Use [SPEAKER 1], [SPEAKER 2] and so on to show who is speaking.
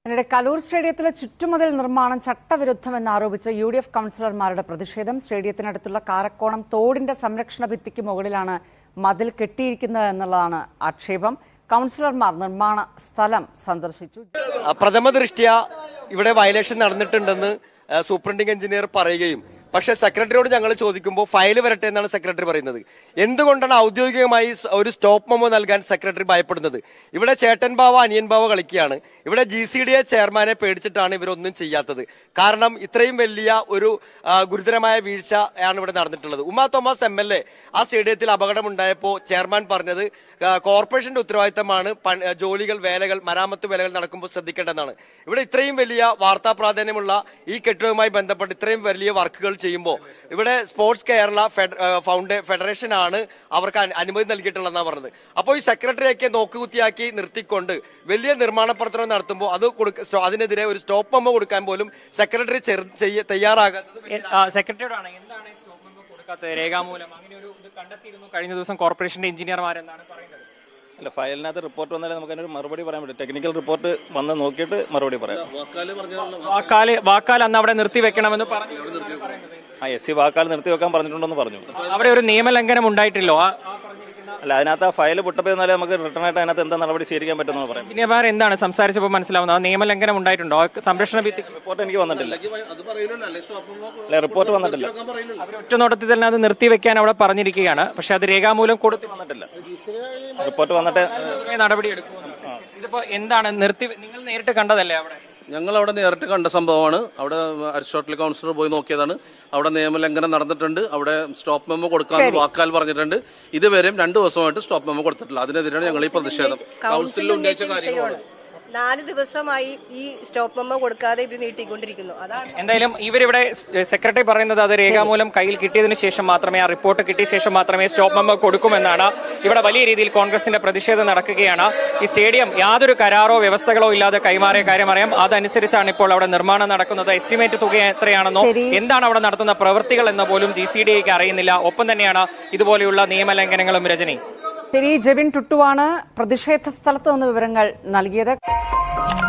[SPEAKER 1] അതിനിടെ കലൂർ സ്റ്റേഡിയത്തിലെ ചുറ്റുമതിൽ നിർമ്മാണം ചട്ടവിരുദ്ധമെന്നാരോപിച്ച് UDF കൌൺസിലർമാരുടെ പ്രതിഷേധം. സ്റ്റേഡിയത്തിനടുത്തുള്ള കാരക്കോണം തോടിന്റെ സംരക്ഷണ ഭിത്തിക്ക് മുകളിലാണ് മതിൽ കെട്ടിയിരിക്കുന്നത് എന്നുള്ളതാണ് ആക്ഷേപം. കൌൺസിലർമാർ നിർമ്മാണ സ്ഥലം സന്ദർശിച്ചു.
[SPEAKER 2] പ്രഥമ ദൃഷ്ട്യാ ഇവിടെ വയലേഷൻ നടന്നിട്ടുണ്ടെന്ന് സൂപ്രണ്ടിംഗ് എഞ്ചിനീയർ പറയുകയും പക്ഷേ സെക്രട്ടറിയോട് ഞങ്ങൾ ചോദിക്കുമ്പോൾ ഫയൽ വരട്ടെ എന്നാണ് സെക്രട്ടറി പറയുന്നത്. എന്തുകൊണ്ടാണ് ഔദ്യോഗികമായി ഒരു സ്റ്റോപ്പ് മെമ്മോ നൽകാൻ സെക്രട്ടറി ഭയപ്പെടുന്നത്? ഇവിടെ ചേട്ടൻ ബാവ അനിയൻ ബാവ കളിക്കുകയാണ്. ഇവിടെ GCDA ചെയർമാനെ പേടിച്ചിട്ടാണ് ഇവരൊന്നും ചെയ്യാത്തത്. കാരണം ഇത്രയും വലിയ ഒരു ഗുരുതരമായ വീഴ്ച ആണ് ഇവിടെ നടന്നിട്ടുള്ളത്. ഉമാ തോമസ് MLA ആ സ്റ്റേഡിയത്തിൽ അപകടമുണ്ടായപ്പോൾ ചെയർമാൻ പറഞ്ഞത് കോർപ്പറേഷന്റെ ഉത്തരവാദിത്തമാണ് ജോലികൾ വേലകൾ മരാമത്ത് വേലകൾ നടക്കുമ്പോൾ ശ്രദ്ധിക്കേണ്ടതാണ്. ഇവിടെ ഇത്രയും വലിയ വാർത്താ പ്രാധാന്യമുള്ള ഈ കെട്ടിടവുമായി ബന്ധപ്പെട്ട് ഇത്രയും വലിയ വർക്കുകൾ ചെയ്യുമ്പോൾ ഇവിടെ സ്പോർട്സ് കേരള ഫെഡറേഷൻ ആണ് അവർക്ക് അനുമതി നൽകിയിട്ടുള്ളതെന്നാണ് പറഞ്ഞത്. അപ്പോൾ ഈ സെക്രട്ടറിയൊക്കെ നോക്കുകുത്തിയാക്കി നിർത്തിക്കൊണ്ട് വലിയ നിർമ്മാണ പ്രവർത്തനം നടത്തുമ്പോൾ അതിനെതിരെ ഒരു സ്റ്റോപ്പ് മെമ്മോ കൊടുക്കാൻ പോലും സെക്രട്ടറി തയ്യാറാകാത്തത്.
[SPEAKER 3] രേഖാമൂലം അങ്ങനെ ഒരു ഇത് കണ്ടെത്തിയിരുന്നു കഴിഞ്ഞ ദിവസം കോർപ്പറേഷന്റെ എഞ്ചിനീയർമാരെന്നാണ് പറയുന്നത്.
[SPEAKER 4] അല്ല, ഫയലിനകത്ത് റിപ്പോർട്ട് വന്നാലേ നമുക്ക് അതിനൊരു മറുപടി പറയാൻ പറ്റും. ടെക്നിക്കൽ റിപ്പോർട്ട് വന്ന് നോക്കിയിട്ട് മറുപടി പറയാം.
[SPEAKER 3] വാക്കാൽ അന്ന് അവിടെ നിർത്തിവെക്കണമെന്ന് പറഞ്ഞു.
[SPEAKER 4] SC വാക്കാൽ നിർത്തിവെക്കാൻ പറഞ്ഞിട്ടുണ്ടെന്ന് പറഞ്ഞു.
[SPEAKER 3] അവിടെ ഒരു നിയമലംഘനം ഉണ്ടായിട്ടില്ലോ?
[SPEAKER 4] അല്ല, അതിനകത്ത് ആ ഫയൽ പൊട്ടപ്പോയിരുന്നാലേ നമുക്ക് റിട്ടേൺ ആയിട്ട് അതിനകത്ത് എന്താ നടപടി സ്വീകരിക്കാൻ പറ്റുമെന്ന് പറയാം.
[SPEAKER 3] എഞ്ചിനീയർമാർ എന്താണ് സംസാരിച്ചപ്പോൾ മനസ്സിലാവുന്നത്? നിയമലംഘനം ഉണ്ടായിട്ടുണ്ടോ? സംരക്ഷണ ഭിത്തി
[SPEAKER 4] റിപ്പോർട്ട് എനിക്ക് വന്നിട്ടില്ല. റിപ്പോർട്ട് വന്നിട്ടില്ല.
[SPEAKER 3] അവർ ഒറ്റനോട്ടത്തിൽ തന്നെ അത് നിർത്തിവെക്കാൻ അവിടെ പറഞ്ഞിരിക്കുകയാണ്. പക്ഷെ അത് രേഖാമൂലം കൊടുത്തു
[SPEAKER 4] വന്നിട്ടില്ല. റിപ്പോർട്ട് വന്നിട്ട്
[SPEAKER 3] നടപടി എടുക്കും. ഇതിപ്പോ എന്താണ് നിങ്ങൾ നേരിട്ട് കണ്ടതല്ലേ?
[SPEAKER 5] ഞങ്ങൾ അവിടെ നേരിട്ട് കണ്ട സംഭവമാണ്. അവിടെ അരിസ്റ്റോട്ടൽ കൗൺസിലർ പോയി നോക്കിയതാണ്. അവിടെ നിയമലംഘനം നടന്നിട്ടുണ്ട്. അവിടെ സ്റ്റോപ്പ് മെമ്മോ കൊടുക്കാൻ വാക്കാൽ പറഞ്ഞിട്ടുണ്ട്. ഇതുവരെയും 2 ദിവസമായിട്ട് സ്റ്റോപ്പ് മെമ്മോ കൊടുത്തിട്ടില്ല. അതിനെതിരെയാണ് ഞങ്ങൾ ഈ പ്രതിഷേധം. കൗൺസിലിൽ ഉന്നയിച്ച കാര്യങ്ങളാണ്.
[SPEAKER 6] 4 ദിവസമായി ഈ സ്റ്റോപ്പ് മെമ്മോ കൊടുക്കാതെ ഇവർ നീട്ടിക്കൊണ്ടിരിക്കുന്നു. അതാണ്
[SPEAKER 3] എന്തായാലും ഇവരിവിടെ സെക്രട്ടറി പറയുന്നത് അത് രേഖാമൂലം കയ്യിൽ കിട്ടിയതിനു ശേഷം മാത്രമേ, ആ റിപ്പോർട്ട് കിട്ടിയ ശേഷം മാത്രമേ സ്റ്റോപ്പ് മെമ്മോ കൊടുക്കുമെന്നാണ്. ഇവിടെ വലിയ രീതിയിൽ കോൺഗ്രസിന്റെ പ്രതിഷേധം നടക്കുകയാണ്. ഈ സ്റ്റേഡിയം യാതൊരു കരാറോ വ്യവസ്ഥകളോ ഇല്ലാതെ കൈമാറിയ കാര്യം അറിയാം. അതനുസരിച്ചാണ് ഇപ്പോൾ അവിടെ നിർമ്മാണം നടക്കുന്നത്. എസ്റ്റിമേറ്റ് തുക എത്രയാണെന്നോ എന്താണ് അവിടെ നടത്തുന്ന പ്രവൃത്തികൾ എന്ന് പോലും GCDAക്ക് അറിയുന്നില്ല. ഒപ്പം തന്നെയാണ് ഇതുപോലെയുള്ള നിയമലംഘനങ്ങളും. രജനി,
[SPEAKER 1] ജെവിൻ ടുട്ടുവാണ് പ്രതിഷേധ സ്ഥലത്ത് നിന്ന് വിവരങ്ങൾ നൽകിയത്.